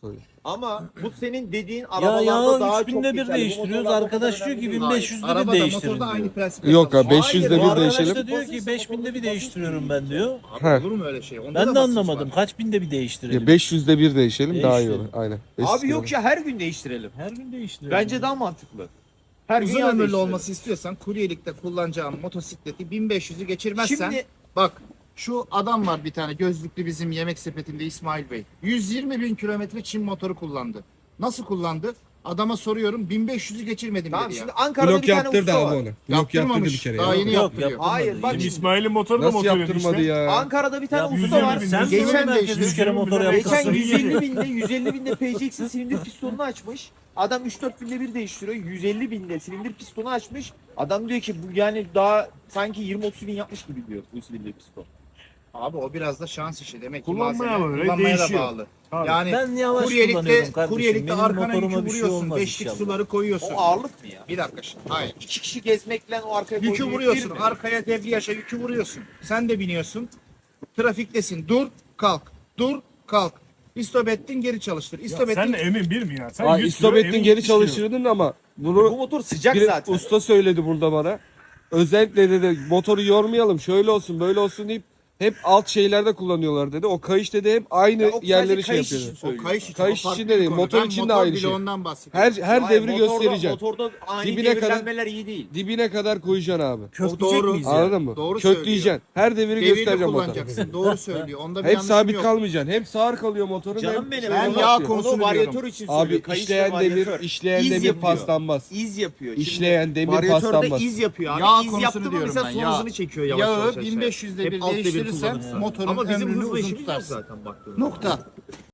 koyuyor. Ama bu senin dediğin Ya arabalarda daha çok 3000'de bir geçerli. Bu değiştiriyoruz. motorlarda Arkadaş kadar diyor ki önemli değil. 1500'de bir Arabada değiştirin motorda aynı diyor. prensip. Yok abi çalışıyor. 500'de Hayır, bir bu değişelim. Arkadaş da diyor ki Basınçsa 5000'de bir motorda değiştiriyorum ben diyor. Abi Heh. olur mu öyle şey? Onda Ben da de basınç anlamadım. var. Kaç binde bir Ya değiştirelim? 500'de bir değişelim daha iyi olur. Değiştirelim. Aynen. Abi yok ya her gün değiştirelim. Her gün değiştirelim. Bence daha mantıklı. Her gün Uzun yağ ömürlü değiştirelim. olması istiyorsan kuryelikte kullanacağın motosikleti 1500'ü geçirmezsen Şimdi bak şu adam var bir tane gözlüklü bizim yemek sepetinde İsmail Bey. 120 bin kilometre Çin motoru kullandı. Nasıl kullandı? Adama soruyorum 1500'ü geçirmedim tamam dedi şimdi ya. Ankara'da Blok bir tane yaptırdı usta abi var. onu. Blok yaptırdı Yaptırmamış. bir kere Daha ya. yeni Yok, yaptırıyor. yaptırmadı. Hayır bak Yeni- İsmail'in motoru da Nasıl motor yaptırmadı işte. ya? Ankara'da bir tane Ya usta var. sen Geçen geçen herkes değişti. 3 kere motor Geçen yaptı. Geçen Nasıl 150 binde 150 binde PCX'in silindir pistonunu açmış. Adam 3-4 binde bir değiştiriyor. 150 binde silindir pistonu açmış. Adam diyor ki bu yani daha sanki 20-30 bin yapmış gibi diyor bu silindir piston. Abi o biraz da şans işi demek ki Kullanmaya malzeme bağlı, kullanmaya da değişiyor. bağlı. Tabii. Yani Ben yavaş kuryelikte kullanıyorum kardeşim. kuryelikte Benim arkana motoruma yükü bir şey vuruyorsun. olmaz Beşlik inşallah. suları koyuyorsun. O ağırlık mı ya? Bir dakika şimdi. Hayır. 2 kişi gezmekle o arkaya Yükü koyduğu yük vuruyorsun. bir mi? Arkaya debriyaja yükü vuruyorsun. Sen de biniyorsun. Trafiktesin. Dur, kalk. Dur, kalk. İstop ettin, geri çalıştır. İstop Sen ettin. de emin bir mi ya? Sen Aa, 100 istop kilo, ettin emin geri 70 kilo. çalıştırdın ama Bu bunu motor sıcak bir zaten. usta söyledi burada bana. Özellikle dedi motoru yormayalım şöyle olsun böyle olsun deyip hep alt şeylerde kullanıyorlar dedi. O kayış dedi hep aynı Ya o sadece yerleri şey kayış yapıyor. için O söylüyor. kayış için. Kayış o farklı için de değil, bir konu. motor Ben için de motor aynı bile şey. ondan bahsediyorum. Her Hayır, devri motorda- göstereceksin. Motorda ani Dibine kadar- devirlenmeler iyi değil. Dibine kadar koyacaksın abi. Kökleyecek doğru. miyiz ya? Anladın mı? Doğru Kökleyeceksin. Her devri Devirli göstereceğim motoru. kullanacaksın. Doğru söylüyor. Onda bir Hep yanlışım sabit yok. kalmayacaksın. Hem sağır kalıyor motorun Canım hem benim. Ben onu- yağ onu konusunu varyatör diyorum. için söylüyor. Abi Kayış ve işleyen varyatör. demir, işleyen İz demir yapıyor. paslanmaz. İz yapıyor. İşleyen demir varyatörde paslanmaz. iz yapıyor abi. Yağ İz konusunu yaptı mı diyorum mesela ben, son yağ. hızını çekiyor yavaş Yağı yavaş aşağıya. 1500'de bir Hep alt devir değiştirirsen kullanırsan. motorun Ama bizim ömrünü hızlı uzun işimiz yok tutarsın. zaten baktığında. Nokta.